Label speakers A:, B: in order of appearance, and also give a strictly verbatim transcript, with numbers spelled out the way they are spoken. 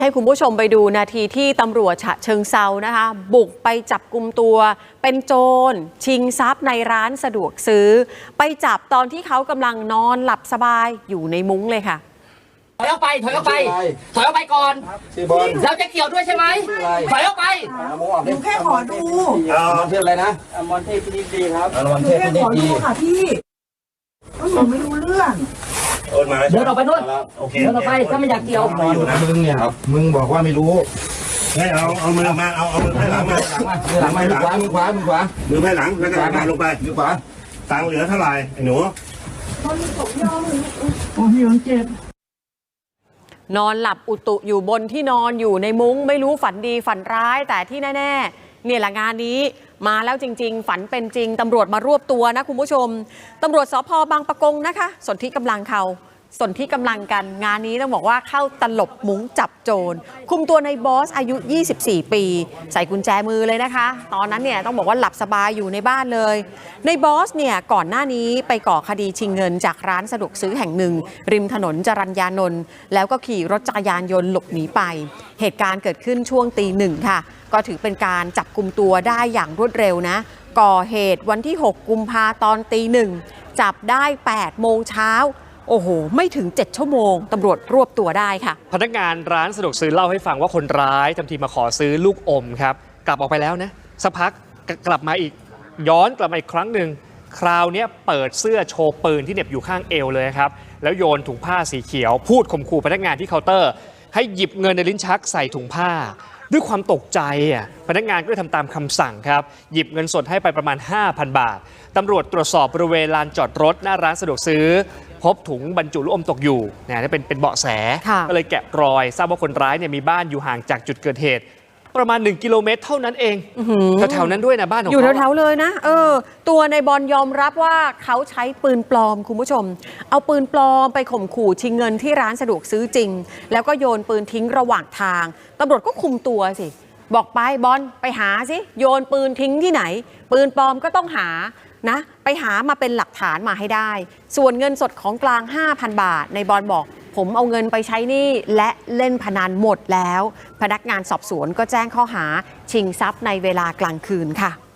A: ให้คุณผู้ชมไปดูนาทีที่ตำรวจฉะเชิงเซานะคะบุกไปจับกุมตัวเป็นโจรชิงทรัพย์ในร้านสะดวกซื้อไปจับตอนที่เขากำลังนอนหลับสบายอยู่ในมุ้งเลยค่ะ
B: ถอยออกไปถอยออกไปถอยออกไปก่อนเราจะเกี่ยวด้วยใช่ไหมถอยออกไป
C: หนูแค่ขอดู
D: มอนเทพอะไรนะ
B: มอนเทพพินิจดีครับ
D: มอนเทพพินิจดี
C: ค่ะพี่หนูไม่รู้เรื่อง
B: เดินออกไปนู่นเดินออกไปถ้าไม่อยากเกี่ยว
D: มึงเนี่ยมึงบอกว่าไม่รู้
E: ให้เอาเอามือมาเอาเอามือให้หลังมา
D: หลังมามือขวามือขวามือขวา
E: มือให้หลังแล้วก็มาลงไป
D: มือขวา
E: ตังเหลือเท่าไหร่ไอ้หนู
C: โอ้ยเจ็บ
A: นอนหลับอุตุอยู่บนที่นอนอยู่ในมุ้งไม่รู้ฝันดีฝันร้ายแต่ที่แน่ๆเนี่ยแหละงานนี้มาแล้วจริงๆฝันเป็นจริงตำรวจมารวบตัวนะคุณผู้ชมตำรวจสภ.บางปะกงนะคะสนธิกำลังเขาสนธิกำลังกันงานนี้ต้องบอกว่าเข้าตลบมุ้งจับโจรคุมตัวในบอสอายุยี่สิบสี่ปีใส่กุญแจมือเลยนะคะตอนนั้นเนี่ยต้องบอกว่าหลับสบายอยู่ในบ้านเลยในบอสเนี่ยก่อนหน้านี้ไปก่อคดีชิงเงินจากร้านสะดวกซื้อแห่งหนึ่งริมถนนจรัญญานนท์แล้วก็ขี่รถจักรยานยนต์หลบหนีไปเหตุการณ์เกิดขึ้นช่วงตีหนึ่งค่ะก็ถือเป็นการจับกุมตัวได้อย่างรวดเร็วนะก่อเหตุวันที่หกกุมภาตอนตีหนึ่งจับได้แปดโมงเช้าโอ้โหไม่ถึงเจ็ดชั่วโมงตำรวจรวบตัวได้ค่ะ
F: พนักงานร้านสะดวกซื้อเล่าให้ฟังว่าคนร้ายทำทีมาขอซื้อลูกอมครับกลับออกไปแล้วนะสักพักกลับมาอีกย้อนกลับมาอีกครั้งหนึ่งคราวนี้เปิดเสื้อโชว์ปืนที่เหน็บอยู่ข้างเอวเลยครับแล้วโยนถุงผ้าสีเขียวพูดข่มขู่พนักงานที่เคาน์เตอร์ให้หยิบเงินในลิ้นชักใส่ถุงผ้าด้วยความตกใจอ่ะพนักงานก็เลยทำตามคำสั่งครับหยิบเงินสดให้ไปประมาณ ห้าพัน บาทตำรวจตรวจสอบบริเวณลานจอดรถหน้าร้านสะดวกซื้อพบถุงบรรจุลูกอมตกอยู่นะนี่เป็นเป็นเบาะแสก็เลยแกะรอยทราบว่าคนร้ายเนี่ยมีบ้านอยู่ห่างจากจุดเกิดเหตุประมาณหนึ่งกิโลเมตรเท่านั้นเองแถวๆนั้นด้วยนะบ้านของเขา
A: อยู่แถวๆเลยนะเออตัวในบอลยอมรับว่าเขาใช้ปืนปลอมคุณผู้ชมเอาปืนปลอมไปข่มขู่ชิงเงินที่ร้านสะดวกซื้อจริงแล้วก็โยนปืนทิ้งระหว่างทางตำรวจก็คุมตัวสิบอกไปบอลไปหาสิโยนปืนทิ้งที่ไหนปืนปลอมก็ต้องหานะไปหามาเป็นหลักฐานมาให้ได้ส่วนเงินสดของกลาง ห้าพัน บาทในบอลบอกผมเอาเงินไปใช้หนี้และเล่นพนันหมดแล้วพนักงานสอบสวนก็แจ้งข้อหาชิงทรัพย์ในเวลากลางคืนค่ะ